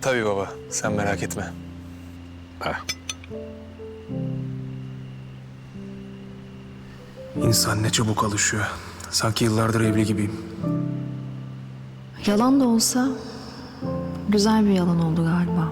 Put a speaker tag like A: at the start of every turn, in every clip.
A: Tabii baba, sen merak etme.
B: Heh.
A: İnsan ne çabuk alışıyor. Sanki yıllardır evli gibiyim.
C: Yalan da olsa güzel bir yalan oldu galiba.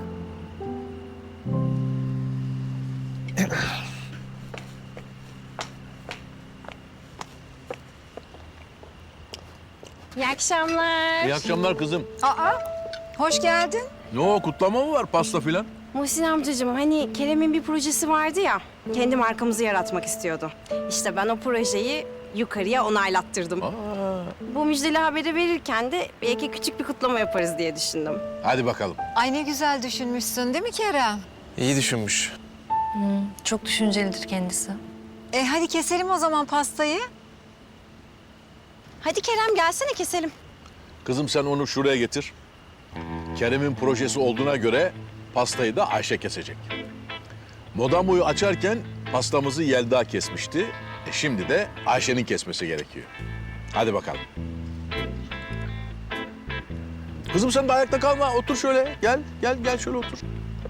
D: İyi akşamlar.
B: İyi akşamlar kızım.
E: Hoş geldin.
B: Ne o, kutlama mı var, pasta filan?
D: Muhsin amcacığım hani Kerem'in bir projesi vardı ya. Kendi markamızı yaratmak istiyordu. İşte ben o projeyi yukarıya onaylattırdım. Bu müjdeli haberi verirken de belki küçük bir kutlama yaparız diye düşündüm.
B: Hadi bakalım.
E: Ay ne güzel düşünmüşsün değil mi Kerem?
A: İyi düşünmüş.
C: Çok düşüncelidir kendisi.
E: Hadi keselim o zaman pastayı.
D: Hadi Kerem gelsene keselim.
B: Kızım sen onu şuraya getir. Kerem'in projesi olduğuna göre pastayı da Ayşe kesecek. Modamoyu açarken pastamızı Yelda kesmişti. Şimdi de Ayşe'nin kesmesi gerekiyor. Hadi bakalım. Kızım sen de ayakta kalma. Otur şöyle. Gel şöyle otur.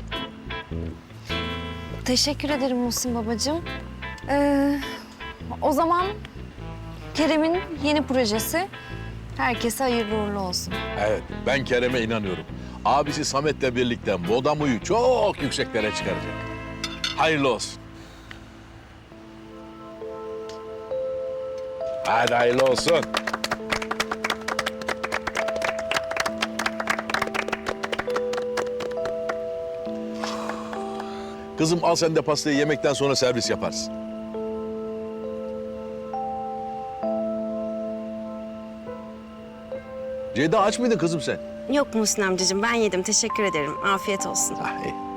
C: Teşekkür ederim Muhsin babacığım. O zaman Kerem'in yeni projesi herkese hayırlı uğurlu olsun.
B: Evet, ben Kerem'e inanıyorum. Abisi Samet'le birlikte Modamo'yu çok yükseklere çıkaracak. Hayırlı olsun. Hadi hayırlı olsun. Kızım al sen de pastayı, yemekten sonra servis yaparsın. Ceyda aç mıydın kızım sen?
D: Yok Muhsin amcacığım ben yedim teşekkür ederim. Afiyet olsun.
B: Ah, iyi.